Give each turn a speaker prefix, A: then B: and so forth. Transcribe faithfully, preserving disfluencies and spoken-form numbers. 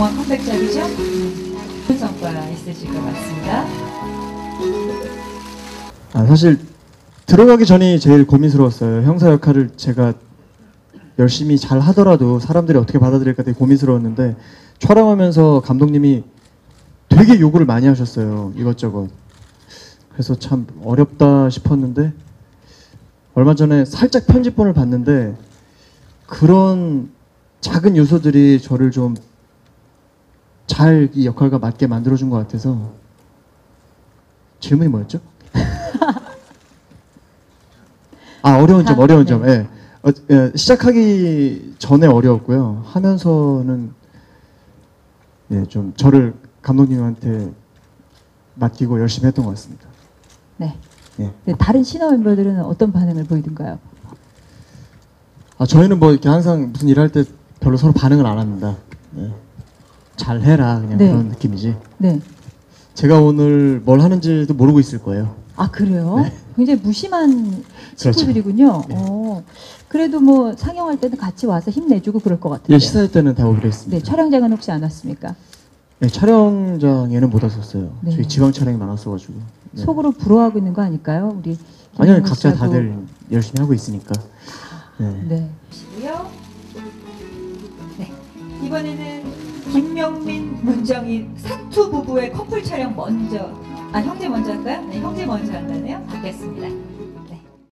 A: 영화 컴백작이죠? 좋은 성과 있으실 것 같습니다.
B: 아, 사실 들어가기 전이 제일 고민스러웠어요. 형사 역할을 제가 열심히 잘 하더라도 사람들이 어떻게 받아들일까 되게 고민스러웠는데, 촬영하면서 감독님이 되게 요구를 많이 하셨어요. 이것저것. 그래서 참 어렵다 싶었는데, 얼마 전에 살짝 편집본을 봤는데 그런 작은 요소들이 저를 좀 잘 이 역할과 맞게 만들어준 것 같아서. 질문이 뭐였죠? 아, 어려운 점, 어려운 점. 예. 어, 예, 시작하기 전에 어려웠고요. 하면서는 예, 좀 저를 감독님한테 맡기고 열심히 했던 것 같습니다.
C: 네.
B: 예.
C: 네, 다른 신화 멤버들은 어떤 반응을 보이던가요?
B: 아, 저희는 뭐 이렇게 항상 무슨 일할 때 별로 서로 반응을 안 합니다. 예. 잘 해라, 그냥
C: 네.
B: 그런 느낌이지.
C: 네.
B: 제가 오늘 뭘 하는지도 모르고 있을 거예요.
C: 아, 그래요?
B: 네.
C: 굉장히 무심한 친구들이군요.
B: 네.
C: 어, 그래도 뭐 상영할 때는 같이 와서 힘내주고 그럴 것 같아요.
B: 예, 시사회 때는 다 오기로 했습니다.
C: 네, 촬영장은 혹시 안 왔습니까?
B: 네, 촬영장에는 못 왔었어요.
C: 네.
B: 저희 지방 촬영이 많았어가지고. 네.
C: 속으로 부러워하고 있는 거 아닐까요? 우리
B: 아니요,
C: 김용훈
B: 각자
C: 씨하고.
B: 다들 열심히 하고 있으니까. 네.
C: 네.
A: 보시고요. 네. 이번에는 김명민, 문정인 사투 부부의 커플 촬영 먼저, 아 형제 먼저 할까요? 네, 형제 먼저 한다네요. 받겠습니다.